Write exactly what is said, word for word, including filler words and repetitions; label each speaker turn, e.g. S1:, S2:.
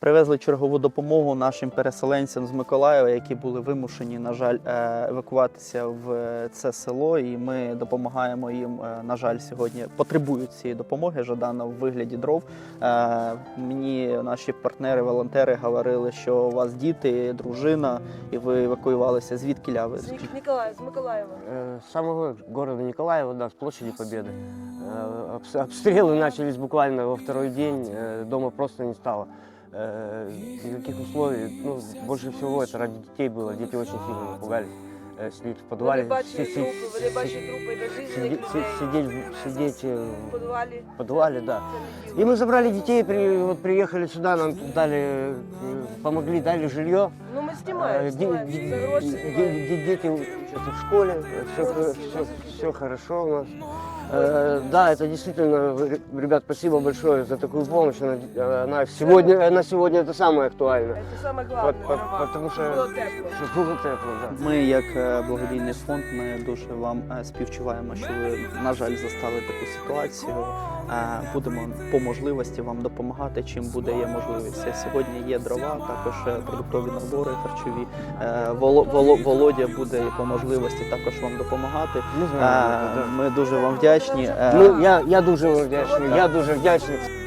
S1: Привезли чергову допомогу нашим переселенцям з Миколаєва, які були вимушені, на жаль, евакуватися в це село. І ми допомагаємо їм, на жаль, сьогодні потребують цієї допомоги, Жадана, в вигляді дров. Мені наші партнери, волонтери говорили, що у вас діти, дружина, і ви евакуювалися. Звідки ви?
S2: С Николаева, с Миколаева.
S3: С самого города Николаева, да, с площади Победы. Обстрелы начались буквально во второй день, дома просто не стало. Никаких условий, ну, больше всего это ради детей было, дети очень сильно напугались. Сидеть в подвале,
S2: Вони бачили трупи, вони бачили трупи безжизненних людей.
S3: сидеть, сидеть
S2: В подвале.
S3: в подвале, да. И мы забрали детей, при, вот приехали сюда, нам тут дали, помогли, дали жилье.
S2: Ну мы снимаем,
S3: Э,
S2: снимаем,
S3: де-
S2: за гроши
S3: де-
S2: снимаем.
S3: де- Дети учатся в школе, все, все, все хорошо у нас. Э, Да, это действительно, ребят, спасибо большое за такую помощь. Она, она сегодня, она сегодня это самое актуальное.
S2: Это самое главное.
S3: По- по- Потому что,
S2: Было тепло.
S3: что было тепло, да.
S1: Ми, як е, благодійний фонд, ми дуже вам е, співчуваємо, що ви, на жаль, застали таку ситуацію. Е, Будемо по можливості вам допомагати, чим буде є можливість. Сьогодні є дрова, також е, продуктові набори харчові. Е, Воло- Воло- Володя буде по можливості також вам допомагати.
S3: Не
S1: Е,
S3: знаю, да.
S1: Ми дуже вам вдячні. Е,
S3: Ну, я, я дуже вам вдячний, я дуже вдячний.